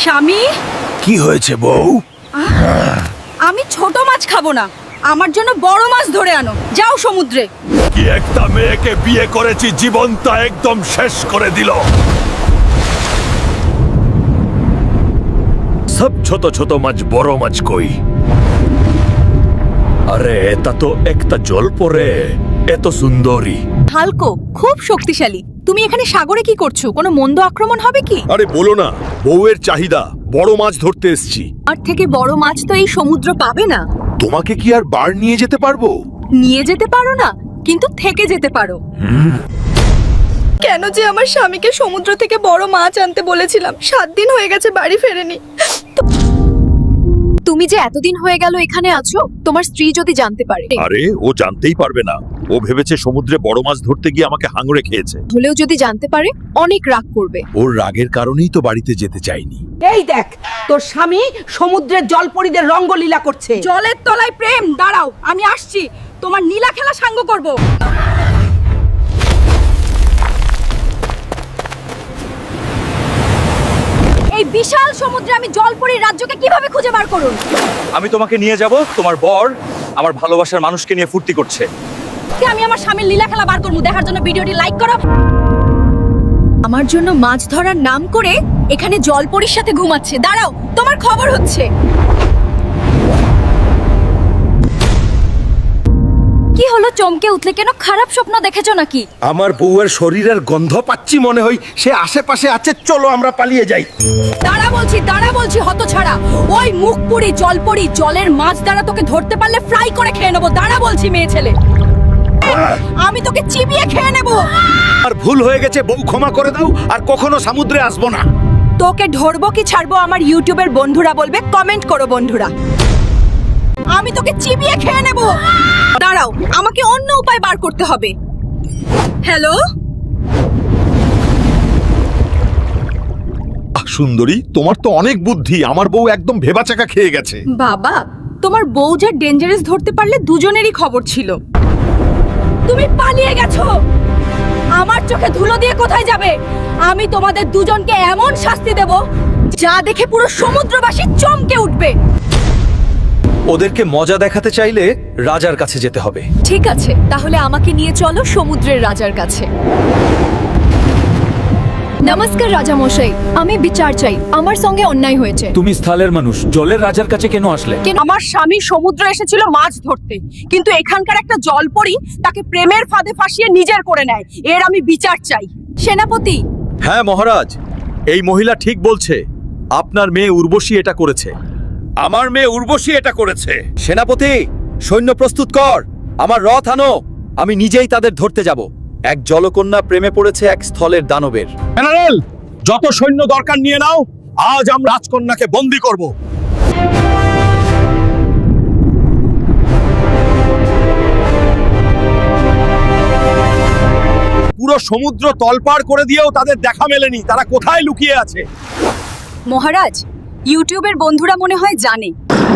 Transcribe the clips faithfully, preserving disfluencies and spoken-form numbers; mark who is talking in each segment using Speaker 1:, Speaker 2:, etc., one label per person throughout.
Speaker 1: স্বামী,
Speaker 2: কি হয়েছে বউ?
Speaker 1: আমি ছোট মাছ খাবো না, আমার জন্য বড় মাছ ধরে আনো। যাও সমুদ্রে।
Speaker 2: কি একটা মেয়েকে বিয়ে করেছি, জীবনটা একদম শেষ করে দিল। সব ছোট ছোট মাছ, বড় মাছ কই? আরে এটা তো একটা জল পরে, এত সুন্দরী।
Speaker 1: হালকো খুব শক্তিশালী। তুমি এখানে সাগরে কি করছো? কোনো মন্দ আক্রমণ হবে কি?
Speaker 2: আরে বলো না, বউয়ের চাহিদা, বড় মাছ ধরতে এসেছি।
Speaker 1: আর থেকে বড় মাছ তো এই সমুদ্র পাবে না।
Speaker 2: তোমাকে কি আর বার নিয়ে যেতে পারবো?
Speaker 1: নিয়ে যেতে পারো না, কিন্তু থেকে যেতে পারো। কেন যে আমার স্বামীকে সমুদ্র থেকে বড় মাছ আনতে বলেছিলাম, সাত দিন হয়ে গেছে বাড়ি ফেরেনি। তুমি যে এতদিন হয়ে গেল এখানে আছো, তোমার স্ত্রী যদি জানতে পারে।
Speaker 2: আরে ও জানতেই পারবে না, ও ভেবেছে সমুদ্রে বড় মাছ ধরতে গিয়ে আমাকে হাঙড়ে খেয়েছে।
Speaker 1: হলেও যদি জানতে পারে অনেক রাগ করবে।
Speaker 2: ওর রাগের কারণেই তো বাড়িতে যেতে চাইনি।
Speaker 3: এই দেখ, তোর স্বামী সমুদ্রের জলপরীদের রঙ্গলীলা করছে।
Speaker 1: জলের তলায় প্রেম। দাঁড়াও, আমি আসছি, তোমার নীলা খেলা সাঙ্গ করব। এই বিশাল সমুদ্রে আমি জলপরীর রাজ্যকে কিভাবে খুঁজে বার করুন?
Speaker 4: আমি তোমাকে নিয়ে যাব, তোমার বর আমার ভালোবাসার মানুষকে নিয়ে ফুর্তি করছে।
Speaker 1: কি আমি আমার স্বামীর লীলা খেলা বার করব? দেখার জন্য ভিডিওটি লাইক করো। আমার জন্য মাছ ধরার নাম করে এখানে জলপরীর সাথে ঘুমাচ্ছে। দাঁড়াও, তোমার খবর হচ্ছে। কি হলো, চমকে উঠলে কেন? খারাপ স্বপ্ন দেখেছো নাকি?
Speaker 2: আমার বউয়ের শরীরের গন্ধ পাচ্ছি, মনে হয় সে আশেপাশে আছে। চলো আমরা পালিয়ে যাই।
Speaker 1: দাঁড়া বলছি, দাঁড়া বলছি, হতছাড়া। ওই মুখপুরি জলপরি জলের মাছ দ্বারা তোকে ধরতে পারলে ফ্রাই করে খেয়ে নেবো। দাঁড়া বলছি, মেয়ে ছেলে, আমি তোকে চিবিয়ে খেয়ে নেবো।
Speaker 2: আর ভুল হয়ে গেছে, বউ ক্ষমা করে দাও, আর কখনো সমুদ্রে আসবো না।
Speaker 1: তোকে ধরবো কি ছাড়বো আমার ইউটিউবের বন্ধুরা বলবে, কমেন্ট করো বন্ধুরা। আমি তোকে চিবিয়ে খেয়ে নেব। দাঁড়াও, আমাকে অন্য উপায় বার করতে হবে। হ্যালো
Speaker 2: সুন্দরী, তোমার তো অনেক বুদ্ধি। আমার বউ একদম ভেবাচাকা খেয়ে গেছে।
Speaker 1: বাবা, তোমার বউ যা ডেঞ্জারাস ধরতে পারলে দুজনেরই খবর ছিল। তুমি পালিয়ে গেছো। আমার চোখে ধুলো দিয়ে কোথায় যাবে? আমি তোমাদের দুজনকে এমন শাস্তি দেব যা দেখে পুরো সমুদ্রবাসী চমকে উঠবে।
Speaker 4: ওদেরকে মজা দেখাতে চাইলে রাজার কাছে যেতে হবে।
Speaker 1: ঠিক আছে, তাহলে আমাকে নিয়ে চলো সমুদ্রের রাজার কাছে। নমস্কার রাজা মশাই, আমি বিচার চাই। আমার সঙ্গে অন্যায় হয়েছে।
Speaker 4: তুমি স্থলের মানুষ, জলের রাজার কাছে কেন আসলে?
Speaker 1: আমার স্বামী সমুদ্রে এসেছিল মাছ ধরতে, কিন্তু এখানকার একটা জলপরী তাকে প্রেমের ফাঁদে ফাঁসিয়ে নিজের করে নেয়। এর আমি বিচার চাই। সেনাপতি।
Speaker 4: হ্যাঁ মহারাজ, এই মহিলা ঠিক বলছে। আপনার মেয়ে উর্বশী এটা করেছে।
Speaker 2: আমার মেয়ে উর্বশী এটা করেছে।
Speaker 4: সেনাপতি, সৈন্য প্রস্তুত কর, আমার রথ আনো। আমি নিজেই তাদের ধরতে যাব। এক জলকন্যা প্রেমে পড়েছে এক স্থলের দানবের।
Speaker 2: জেনারেল, যত সৈন্য দরকার নিয়ে নাও, আজ আমরা রাজকন্যাকে বন্দী করব। পুরো সমুদ্র তলপাড় করে দিয়েও তাদের দেখা মেলেনি। তারা কোথায় লুকিয়ে আছে?
Speaker 1: মহারাজ, ইউটিউবের বন্ধুরা মনে হয় জানে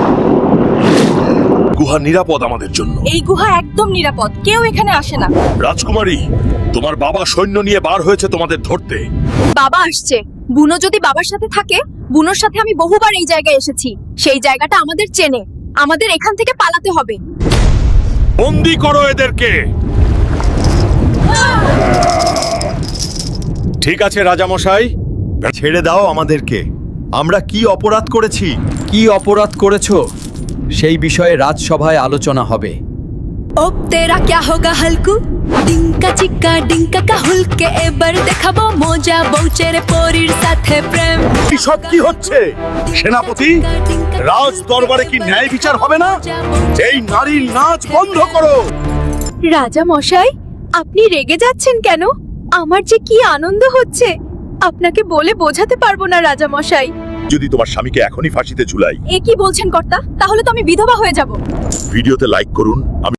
Speaker 2: গুহা নিরাপদ আমাদের জন্য।
Speaker 1: এই গুহা একদম নিরাপদ, কেউ এখানে আসে না।
Speaker 2: রাজকুমারী, তোমার বাবা সৈন্য নিয়ে বার হয়েছে তোমাদের ধরতে।
Speaker 1: বাবা আসছে। বুনো যদি বাবার সাথে থাকে, বুনোর সাথে আমি বহুবার এই জায়গায় এসেছি। সেই জায়গাটা আমাদের চেনে। আমাদের এখান থেকে পালাতে হবে।
Speaker 2: বন্দী করো এদেরকে। ঠিক আছে রাজামশাই, ছেড়ে দাও আমাদেরকে। আমরা কি অপরাধ করেছি?
Speaker 4: কি অপরাধ করেছো সেই বিষয়ে রাজসভায় আলোচনা হবে।
Speaker 1: अब तेरा क्या होगा हल्कू? ডিঙ্কা চিক্কা ডিঙ্কা কাহুলকে এবার দেখাবো মজা, বউচের পরীর সাথে প্রেম।
Speaker 2: সব কি হচ্ছে? সেনাপতি, রাজ দরবারে কি ন্যায় বিচার হবে না? এই নারীর নাচ বন্ধ করো।
Speaker 1: রাজা মশাই, আপনি রেগে যাচ্ছেন কেন? আমার যে কি আনন্দ হচ্ছে, আপনাকে বলে বোঝাতে পারবো না রাজা মশাই।
Speaker 2: যদি তোমার স্বামীকে এখনই ফাঁসিতে ঝুলাই।
Speaker 1: এ কি বলছেন কর্তা? তাহলে তো আমি বিধবা হয়ে যাব।
Speaker 2: ভিডিওতে লাইক করুন। আমি